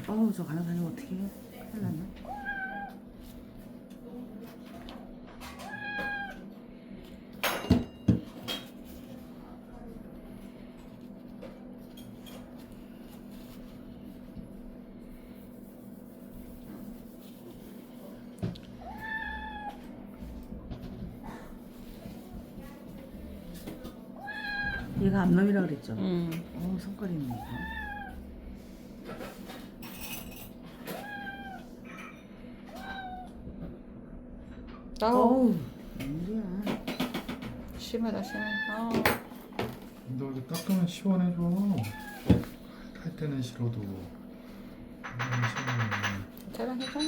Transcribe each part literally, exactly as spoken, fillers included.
어우 저 간호사님 어떻게 해? 큰일 났네. 얘가 암놈이라 그랬죠? 음. 어우 손가락 있네 이거. 아우 어우 웬일이야. 심하다 심해. 아우. 너 이거 닦으면 시원해져. 탈 때는 싫어도. 대단 괜찮아?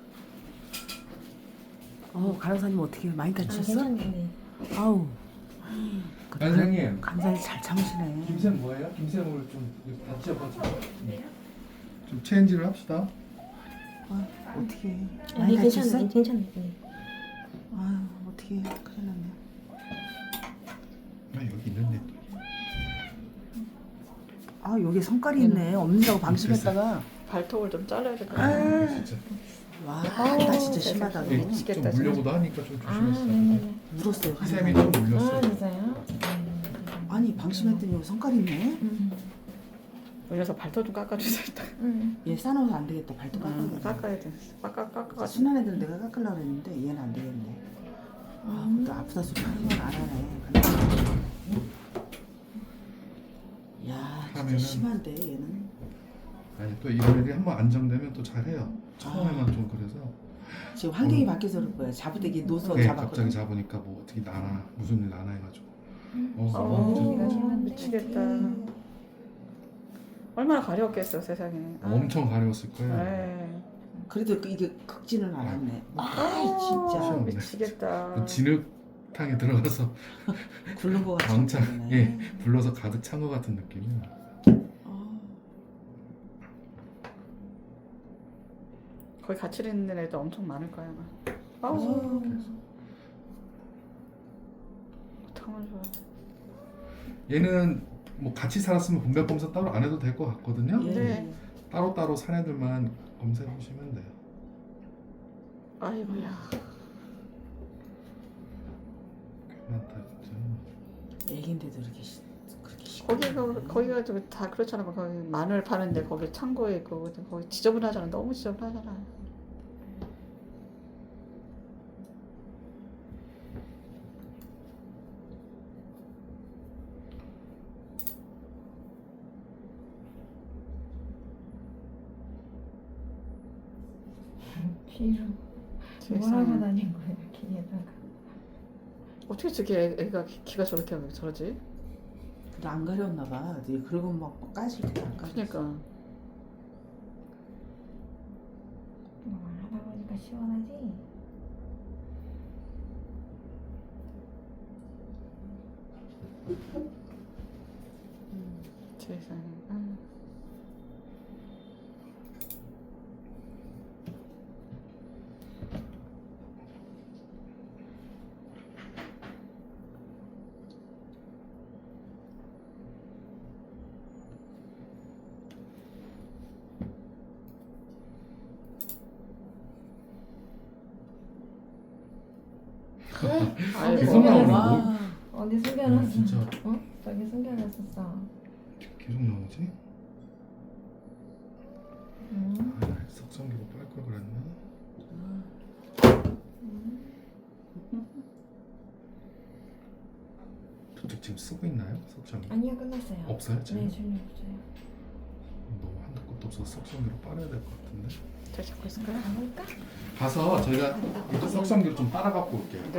어우 간호사님 어떻게 해? 많이 아, 다치셨어? 괜찮네. 아우 그 간사님. 간사님 잘 참으시네. 김샘 뭐예요? 김샘을 좀 같이 해봐줘. 좀 체인지를 합시다. 아, 어떻게 해? 아, 많이 네, 다쳤어? 괜찮네. 괜찮네. 네. 아유 어떻게 해? 큰일 났네. 아 여기 있는데. 아 여기 손가락이 있네. 없는다고 방심했다가 발톱을 좀 잘라야 될 것 같아. 아, 진짜. 와, 아우, 나 진짜 세상에. 심하다. 예, 너. 미치겠다, 좀 물려고도 하니까 좀 아, 조심했어. 네네네. 울었어요. 희샘이 간호사님. 좀 물렸어. 아, 진짜요? 아니 방심했더니 여기 손가락 있네. 음. 올려서 발톱 좀 깎아주세요. 일단. 음. 얘 싸놓으면 안 되겠다. 발톱 음, 깎아야 깎아야 돼. 깎아 깎아. 순한 애들 내가 깎으려고 했는데 얘는 안 되겠네. 아, 음. 또 아프다 소리 하는 건 안 하네. 야, 진짜 하면은- 심한데 얘는. 아니 또 이런 애들이 한번 안정되면 또 잘해요. 처음에만 좀 그래서. 지금 환경이 바뀌어서 그럴 거야. 잡으대기 노서 네, 잡았거든. 갑자기 잡으니까 뭐 어떻게 나나 무슨 일 나나 해가지고. 어, 어, 완전 미치겠다. 얼마나 가려웠겠어 세상에. 아. 엄청 가려웠을 거예요. 에이. 그래도 그- 이게 극진은 않았네. 아, 아, 진짜 시원해. 미치겠다. 그 진흙탕에 들어가서 굴른 거 같은 왕창 거네. 예 불러서 가득 찬 것 같은 느낌이야. 아, 거기 같이 있는 애도 엄청 많을 거야 아마. 아우 아, 어떡하면 좋아. 얘는 뭐 같이 살았으면 분별 검사 따로 안 해도 될 것 같거든요. 예. 네. 따로 따로 산 애들만 검사해 보시면 돼요. 아이고야. 괜찮다 진짜. 애긴데도 이렇게 시- 그렇게 시. 거기가 거기가 좀 다 그렇잖아. 거기 마늘 파는데 거기 창고에 있고 거기 지저분하잖아. 너무 지저분하잖아. 귀로 세상에. 뭐하고 다닌 거예요, 귀에다가. 어떻게 저게 애- 애가 기- 기가 저렇게 하면 저러지? 근데 안 가렸나 봐. 네, 그러고 막 까질 때안 가렸어. 그러니까 뭐 하다 보니까 시원하지? 세상에. 아. 어디 아이고. 계속 나오네. 와. 뭐, 어디 음, 숨겨놨어? 진짜 어? 저기 숨겨놨었어. 계속 나오지? 음. 아, 석성기로 빨 걸 그랬나? 저쪽 지금 쓰고 있나요? 석성기? 아니요, 끝났어요. 없어요 지금? 네, 전혀 없어요. 너무 한도 끝도 없어서 석성기로 빨아야 될 것 같은데. 잘 잡고 있을까요? 가볼까? 가서 저희가 이쪽 석성기로 좀 빨아 갖고 올게요.